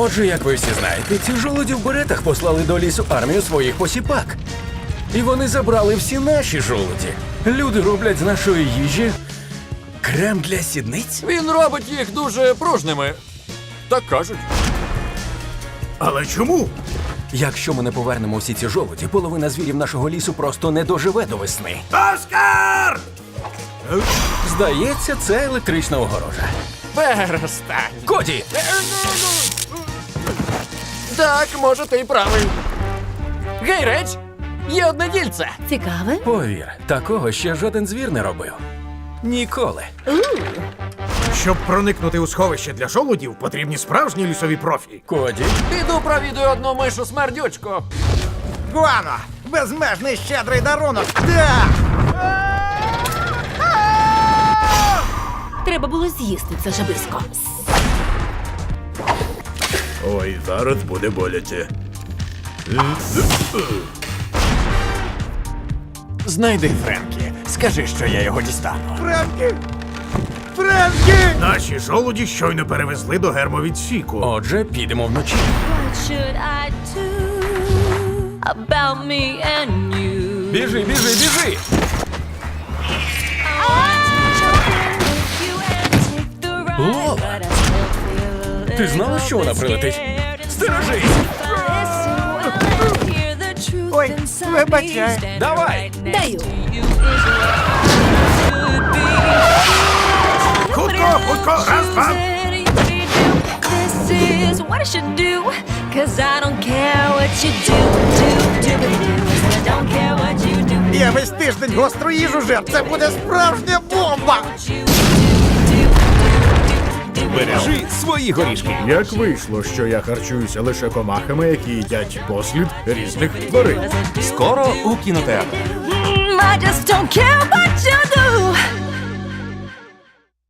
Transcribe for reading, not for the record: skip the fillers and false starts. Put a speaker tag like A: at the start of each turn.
A: Отже, як ви всі знаєте, ці жолуді в беретах послали до лісу армію своїх посіпак. І вони забрали всі наші жолуді. Люди роблять з нашої їжі крем для сідниць.
B: Він робить їх дуже пружними. Так кажуть.
C: Але чому?
A: Якщо ми не повернемо всі ці жолуді, половина звірів нашого лісу просто не доживе до весни.
C: Оскар!
A: Здається, це електрична огорожа.
B: Перестань.
A: Коді!
B: Так, може, ти й правий. Гей, реч! Є одне дільце.
D: Цікаве?
A: Повір, такого ще жоден звір не робив. Ніколи.
C: Щоб проникнути у сховище для жолудів, потрібні справжні лісові профі.
A: Коді,
B: Піду провідую одну мишу смердючку.
E: Гуано! Безмежний щедрий дарунок! Так!
D: Треба було з'їсти це жабисько.
C: Ой, зараз буде боляче.
B: Знайди Френкі. Скажи, що я його дістану.
E: Френкі! Френкі!
C: Наші жолуді щойно перевезли до гермовідсіку.
A: отже, підемо вночі.
F: What should I do about me and you?
A: Біжи, біжи, біжи!
F: I want to jump in with you and take the ride,
A: Лола,
F: but I still feel a
A: ти
F: little
A: знала, що вона
F: bit
A: прилетить?
F: scared inside.
A: Стережись!
F: If I listen well and hear the truth
E: Ой,
F: inside me,
E: вибачай.
F: standing
A: Давай.
F: right next
D: Даю.
F: to you is what should be.
C: Хутко, хутко, раз, два.
F: This is what I should do, 'cause I don't care what you do, I don't care what you do.
E: Я весь тиждень гостру їжу жер. Це буде справжня бомба!
A: Бережи свої горішки.
C: Як вийшло, що я харчуюся лише комахами, які їдять послід різних тварин?
A: Скоро у кінотеатрах.
F: I just don't care what you do.